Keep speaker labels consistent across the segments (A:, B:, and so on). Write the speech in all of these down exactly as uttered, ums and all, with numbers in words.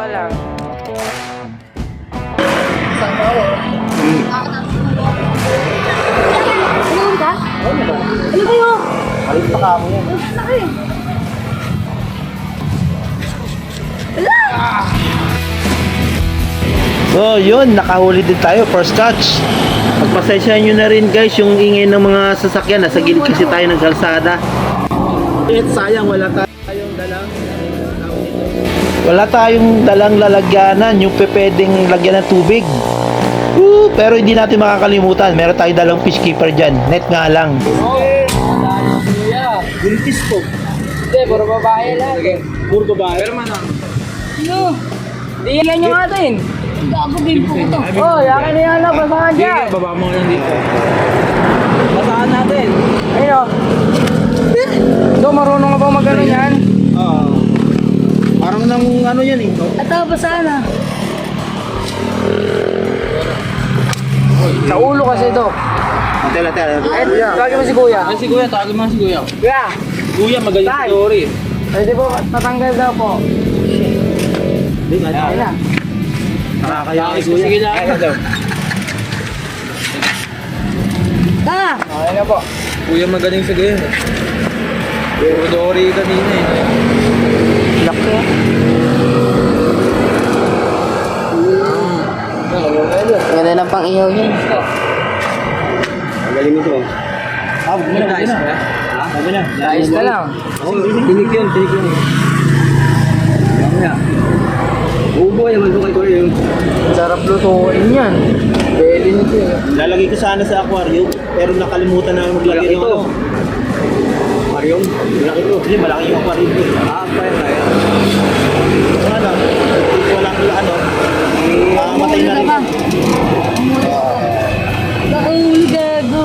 A: lang.
B: Ano ka? Ano kayo?
C: Alis pa ka mo yan.
B: Laki. Wala!
C: So yun, nakahuli din tayo, first catch. Pagpasensyahan nyo na rin guys yung ingay ng mga sasakyan. Nasa gilid kasi tayo ng kalsada. Eh, sayang wala tayong dalang Wala tayong dalang lalagyanan, yung pwedeng lagyan ng tubig. Woo! Pero hindi natin makakalimutan, meron tayong dalang fish keeper dyan. Net nga lang. Buntis po.
A: Hindi, puro babae lang.
C: Puro babae.
A: Pero man Ano? Hindi yan yung atin.
B: Gago game po ito.
A: Oh, yakin na yan lang. Basahan dyan.
C: Baba mo lang dito.
A: Basahan natin. Ayun o. Do, marunong ka ba mag-ano yan?
C: Oo. Parang nang ano yan eh.
B: Ito, basahan na.
A: Sa ulo kasi, Dok.
C: Tela, tela.
A: Eh, tawagin mo si Kuya.
D: Ay, si Kuya, tawagin mo si Kuya.
A: Kuya!
D: Kuya, magaling
A: Tay.
D: story.
A: Pwede po, tatanggal daw po.
C: Hindi nga.
A: Ayun na.
C: Nakakaya kay
D: Sige, sige
C: Kuya.
D: na.
C: Ayun daw.
B: Ta!
A: Ayun na po.
D: Kuya, magaling sa game. Puro Dory kanina eh.
A: Laki. Ganda ng pang ihaw niya.
C: Magaling ito. Ah, huwag mo na.
D: Nice,
C: Huwag mo na.
D: ha?
C: Huwag mo na.
A: Ayos na lang.
C: Tinik yun, tinik yun. Huwag mo na. Ubo naman ito kay Kuya yung
A: Sarap lutuin yan. Belly nito eh.
C: lalagay ko sana sa aquarium, pero nakalimutan na maglagay ng ano. Aquarium? Malaki ito. Hindi, malaki yung aquarium ko. Ah, kaya kaya. So ano, kung walang ano, mamatay na rin.
B: Nakahuli gago.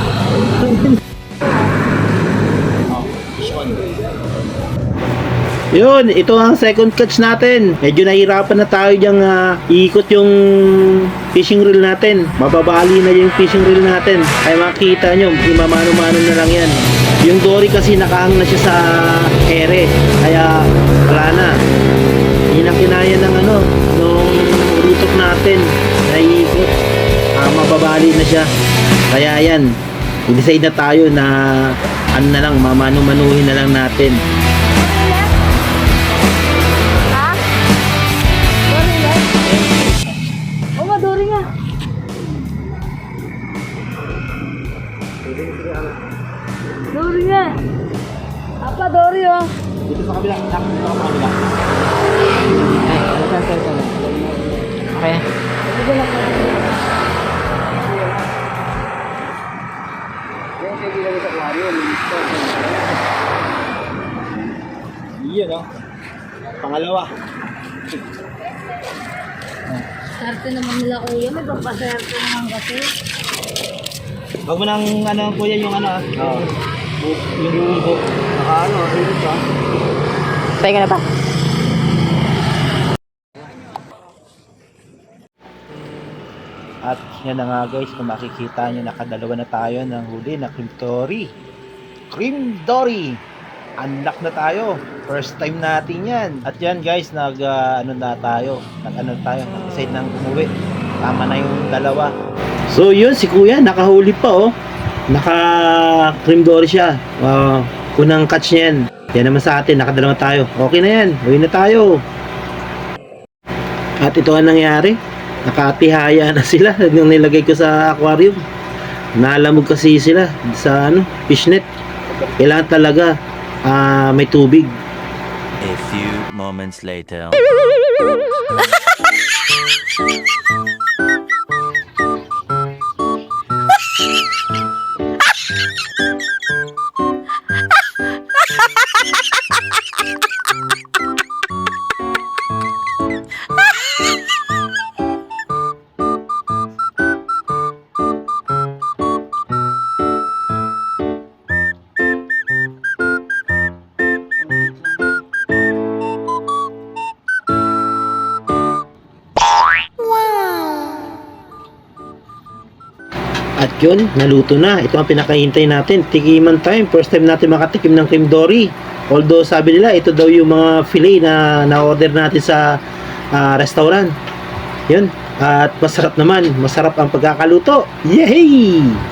C: Yun, ito ang second catch natin. Medyo nahirapan na tayo diyang uh, iikot yung fishing reel natin. Mababali na yung fishing reel natin. Kaya makikita nyo, imamano-mano na lang yan. Yung dory kasi nakahang na siya sa ere. Kaya wala na. Hindi na kinaya ng ano, nung rutok natin na iikot. Uh, mababali na siya. Kaya yan, i-decide na tayo na ano na lang, mamano-manuhin na lang natin.
B: Ha? Dory nga? Oo nga, Dory nga. Dory nga. Apa, Dory oh.
C: Dito sa kabila, dito sa kabila.
A: Okay.
C: Iyan oh. Pangalawa.
B: Sarte naman nila kuya. May pagpaserte naman kasi.
C: Huwag mo nang ano kuya yung ano ah. Oo. Yung bubo. Naka ano, dito pa.
A: Tayo ka na ba?
C: At yan na nga guys, kung makikita nyo, nakadalawa na tayo ng huli na cream dory. Cream dory! Unlock na tayo. First time natin yan. At yan guys, nag uh, ano na tayo. Nag ano tayo, nag-decide nang umuwi. Tama na yung dalawa. So yun, si kuya, nakahuli pa oh. Naka cream dory siya. Wow, unang catch niya yan. Yan naman sa atin, nakadalawa tayo. Okay na yan, uwi na tayo. At ito ang nangyari. Nakatihaya na sila nung nilagay ko sa aquarium. Nalamog kasi sila sa ano, fishnet. Kailangan talaga uh, may tubig.
E: A few moments later.
C: At yun, naluto na. Ito ang pinakahintay natin. Tikiman time. First time natin makatikim ng cream dory. Although sabi nila, ito daw yung mga fillet na na-order natin sa ah, restaurant. Yun. At masarap naman. Masarap ang pagkakaluto. Yay!